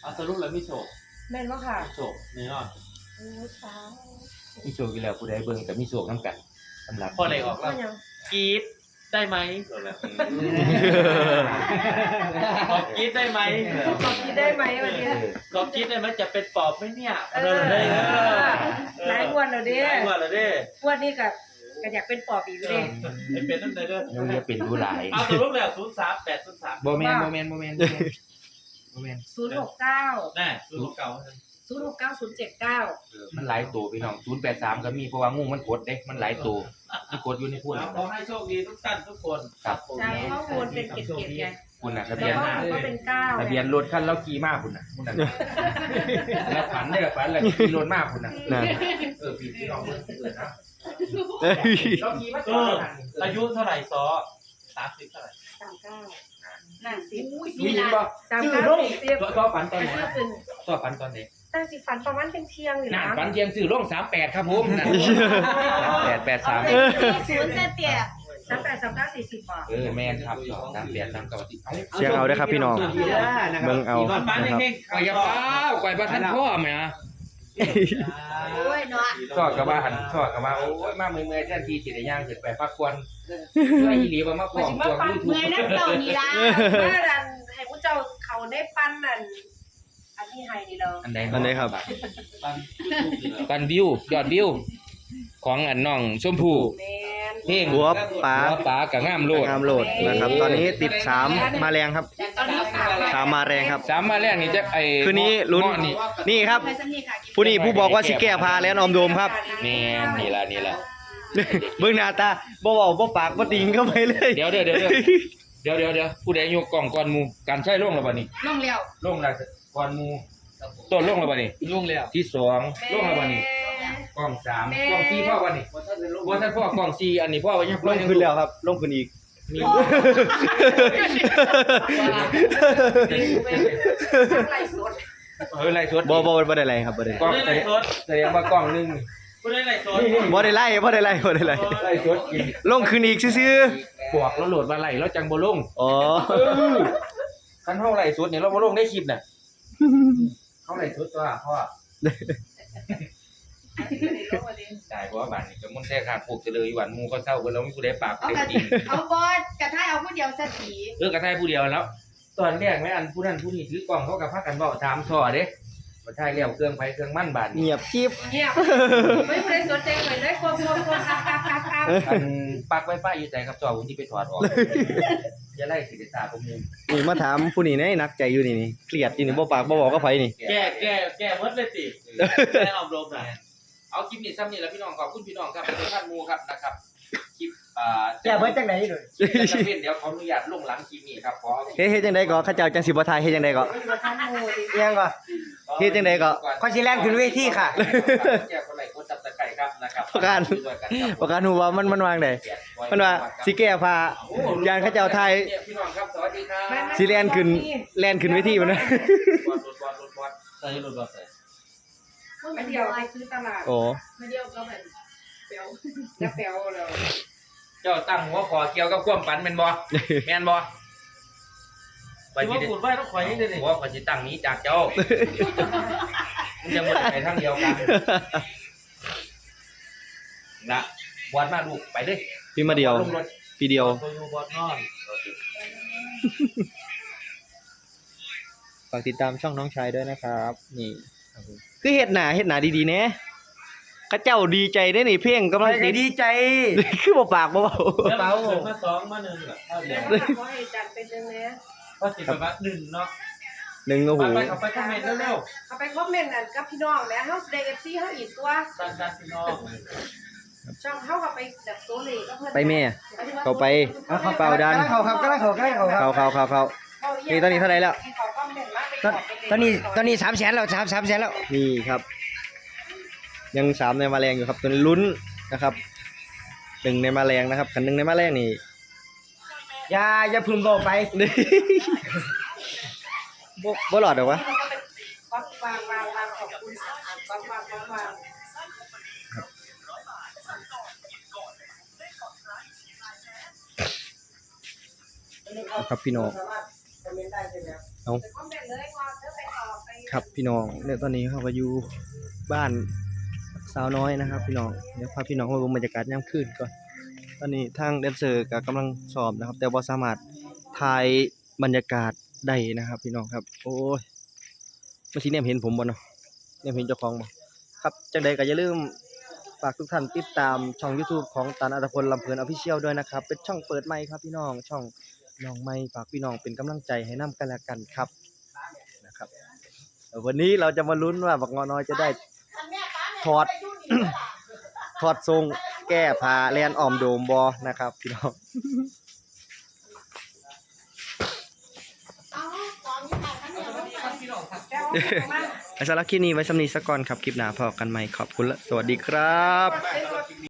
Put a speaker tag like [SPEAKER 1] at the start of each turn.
[SPEAKER 1] เอาสรุปแล้วไม่โชค
[SPEAKER 2] แม่นว่าค่ะ
[SPEAKER 1] โชคแน่นอน
[SPEAKER 2] โอ้เช้า
[SPEAKER 3] มีโชคอยู่แล้วผู้ใดเบิ่งกับมีโชคน้ำกันสำหรับ
[SPEAKER 1] พอได้ออกแล้วกรี๊ดได้ไหมขอกรี๊ดได้ไหม
[SPEAKER 2] ขอคิดได้ไหมวันนี้
[SPEAKER 1] ขอกรี๊ดได้ไหมจะเป็นปอบไหมเนี่ย
[SPEAKER 2] หลายวันแล้วเด้
[SPEAKER 1] หลายวันแล้วเด้
[SPEAKER 2] วันนี้ก็อยากเป็นปอบอีกเด้
[SPEAKER 1] เป็นนั่นเลยเด้อ
[SPEAKER 3] ยังจะเป็นผู้หลาย
[SPEAKER 1] เอาสรุปแล้ว03803
[SPEAKER 3] โมเมนต์069
[SPEAKER 1] แน่
[SPEAKER 2] 069
[SPEAKER 3] มันหลายตัวพี่น้อง083ก็มีเพราะว่างูมันกดเด้มันหลายตัวมันกดอยู่ในพุ่น
[SPEAKER 1] ขอให้โชคดีทุกท่านทุกคน
[SPEAKER 3] ครับ
[SPEAKER 2] ใช่ข้อมูลเป็นเก็บไง
[SPEAKER 3] พุ่นน่ะทะเบี
[SPEAKER 2] แล้
[SPEAKER 3] ยน
[SPEAKER 2] ก็เป็น9
[SPEAKER 3] ทะเบียนรถคันเราขี่มาพุ่นน่ะแล้วฝันได้ฝันแล้วขี่รถมาพุ่นน่ะพี่น้องเบิ่งเกิดนะเราขี่มา
[SPEAKER 1] อายุเท่าไหร่ซอ30เท่าไหร่
[SPEAKER 2] 39นั่นสิ
[SPEAKER 3] มีบ่ชื่อลงต่อฝันตอนไหนต่อฝันตอนไหน
[SPEAKER 2] ตั้งสิฝันประมาณเป็นเที่ยงอยู่นะ
[SPEAKER 3] ฝันเที่ยงซื้อลง38ครับผม883
[SPEAKER 2] 0เตี้ย38 39 40บาท
[SPEAKER 3] แม่นครับ38 39
[SPEAKER 4] เสียงเอาได้ครับพี่น้องเบิ่งเอานะครับ
[SPEAKER 3] ก่อยอย่าเฝ้าก่อยบ่ทันพ่อแม่
[SPEAKER 2] โอ้ยเนาะ
[SPEAKER 3] ชอบกับว่าหันชอบกับว่าโอ้ยมาเมื่อยๆแทนที่สิได้ย่างสิไปพักควรช่วยอีหลีบ่มาฟ้องตัว
[SPEAKER 2] YouTube เมื่อยนักเจ้านี่ล่ะว่าดันให้ผู้เจ้าเขาได้ปั้นนั่นอันนี้ให้นี่เรา
[SPEAKER 4] อันไหนครับ
[SPEAKER 3] ปันวิวยอดวิวของอันน้องชมพู่เพลง
[SPEAKER 4] หัวป๋า
[SPEAKER 3] กับงามโลด
[SPEAKER 4] นะครับตอนนี้ติด3มาแรงครับ3มาแรงครับ
[SPEAKER 3] 3มาแรงนี่จะ
[SPEAKER 4] คืนนี้ลุ้นนี่ครับผู้บอกว่าสิแก้พาแล้วออมโดมครับ
[SPEAKER 3] แม่นี่ล่ะ
[SPEAKER 4] เบิ่งหน้าตาบ่เว้าบ่ปากบ่ติงเข้าไปเลย
[SPEAKER 3] เดี๋ยวผู้ใดยกกล้องก่อนหมู่การใช้ลงแล้วบัดนี้
[SPEAKER 2] ลงแล้ว
[SPEAKER 3] ก่อนหมู่ต้นลงแล้วบัดนี้
[SPEAKER 1] ลงแล้ว
[SPEAKER 3] ที่2ลงแล้วบัดนี้กล้อง3กล้อง4พ่อบัดนี้บ่ทันพ่อกล้อง4อันนี้พ่อว่ายัง
[SPEAKER 4] ลงขึ้นแล้วครับลงขึ้นอีก
[SPEAKER 3] มีไล่สด
[SPEAKER 4] บ่ได้ไล่ครับบ่ได้
[SPEAKER 3] กล้องแสดงว่ากล้องนึง
[SPEAKER 4] บ่ได้ไล่ไล่
[SPEAKER 3] สดกิน
[SPEAKER 4] ลงขึ้นอีกซื่อ
[SPEAKER 3] ๆพวกเราโหลดมาไล่แล้วจังบ่ลง
[SPEAKER 4] อ๋อ
[SPEAKER 3] คันเฮาไล่สดนี่เราบ่ลงในคลิปน่ะเฮาไล่สดตัวพ่อได้บ่ว่าบ้านนี่ก็มันแท้ขาดพวกเจริญอยู่วันหมู่ก็เศร้าเพิ่นแล้วมีผู้ใดปากเต็มจริง
[SPEAKER 2] เอาบ่กระทายเอาผู้เดียวซะที
[SPEAKER 3] กระทายผู้เดียวแล้วตอนแรกแม่อันผู้นั้นผู้นี้ถือกล้องเขาก็พากันเว้าถามซ้อเด้บ่ใช่แล้วเครื่องไผเครื่องมันบาดนี้
[SPEAKER 4] เงียบกิ๊บ
[SPEAKER 2] ไม่ได้สนใจเลยควบ
[SPEAKER 3] อันปักไวไฟอยู่ใจครับจอผมสิไปถอดออกอย่าไล่สิได้ตาผมนึง
[SPEAKER 4] นี่มาถามผู้นี้แนักใจอยู่นี่เครียดอยู่นี่บ่ปากบ่บอกกับไผนี่
[SPEAKER 1] แก้หมดเลยติแก้ออมรมน่ะ
[SPEAKER 3] เอาคลิปนี้ซ้ำนี่แล้วพี่น้องขอบคุณพี่น้องครับทุกท่านหมู่ครับนะครับคลิป
[SPEAKER 4] แก้เบิดจังได๋ด้วย
[SPEAKER 3] เดี๋ยวขออนุญาตลงหลังคลิปนี้ครับขอ
[SPEAKER 4] เฮ็ดจังได๋ก็เขาเจ้าจังสิบ่ทายเฮ็ดจังได๋ก็ยังก็เฮ็ดจังได๋ก็ขอสิแล่นขึ้นเวทีค่ะ
[SPEAKER 3] แก้คนไหลกดจับตะไคร้ครับนะครับ
[SPEAKER 4] ประกันฮู้ว่ามันวางได้มันว่าสิแก้ผ้ายานเขาเจ้าทาย
[SPEAKER 3] พี่น้องครับสวัสดีครับ
[SPEAKER 4] สิแล่นขึ้นเวทีบ่นะ
[SPEAKER 1] ใส่รถบัสใส่
[SPEAKER 2] ไม่เดียวไปซื้อตลาด
[SPEAKER 4] โอ้
[SPEAKER 2] ไม่เดียวก็แบบเปียวจะเปียวแล้ว
[SPEAKER 3] เจ้าตั้งหัวขอเกี่ยวกับความฝันแม่นบ่แม่นบ่
[SPEAKER 1] ไปสิพูดไว้ต้องข่อยให้ได้
[SPEAKER 3] หัวข่อยสิตั้งนี้จากเจ้ามันจะหมดไปทางเดียวกันนะบอดมาลูกไปเด้
[SPEAKER 4] พี่มาเดียวพี่เดียว
[SPEAKER 1] บอดนอน
[SPEAKER 4] ฝากติดตามช่องน้องชายด้วยนะครับนี่คือเฮ็ดหน้าดีๆแน่เขาเจ้าดีใจได้นี่เพลงกำลังดีใจคือบ่ปากบ่เว้า
[SPEAKER 1] เบามา2มา1ล่ะเดี๋ยว
[SPEAKER 2] ขอให้จัดเป็นนึงนะ
[SPEAKER 1] พอสิไปว่า1เนาะ
[SPEAKER 4] 1โอ้โห
[SPEAKER 1] ไปเข้าไปคอมเมนต์เร็ว
[SPEAKER 2] ๆเข้าไปคอมเมนต์นั่นกับพี่น้องแหละเฮาได้ FC เฮาอีกตัว
[SPEAKER 1] ดันพี่น้อง
[SPEAKER 2] ช่องเฮาก็ไปแบบโซเลก็เพิ่น
[SPEAKER 4] ไปแม่เข้าไปเป่าดัน
[SPEAKER 5] เข้าครับกำลังเข้า
[SPEAKER 4] นี่ตอนนี้เท่าไหร่แล้ว
[SPEAKER 5] ตอนนี้300,000แล้ว300,000แล้ว
[SPEAKER 4] นี่ครับยัง3ในมาแรงอยู่ครับตัวนี้ลุ้นนะครับ1ในมาแรงนะครับคัน1ในมาแรงนี่
[SPEAKER 5] อย่าพึมโตไป
[SPEAKER 4] บ่หลอดหรอวะ
[SPEAKER 2] วางขอบคุณวาง
[SPEAKER 4] ครับพี่น้องเอาครับพี่น้องเนี่ยตอนนี้เขาก็อยู่บ้านสาวน้อยนะครับ พี่น้องเดี๋ยวพาพี่น้องมาดูบรรยากาศยามคืนก่อนตอนนี้ทางแดนเซอร์ก็กำลังซ้อมนะครับ แต่บ่สามารถถ่ายบรรยากาศได้นะครับ พี่น้องครับ โอ้ยมาสิแนมเห็นผมบ่เนาะแนมเห็นเจ้าของบ่ครับจังใดก็อย่าลืมฝากทุกท่านติดตามช่อง YouTube ของตันอัตพลลำเพลิน Official ด้วยนะครับเป็นช่องเปิดใหม่ครับพี่น้องช่องน้องใหม่ฝากพี่น้องเป็นกำลังใจให้นํกันและกันครับนะครับวันนี้เราจะมาลุ้นว่าบักงอน้อยจะได้ถอด ถอดทรงแก้ผ้าแลนอ้อมโดมบ่นะครับพี่น้อง สำหรับคลิปนี้ไว้สำนีสักก่อนครับคลิปหน้าพอกันใหม่ขอบคุณและสวัสดีครับ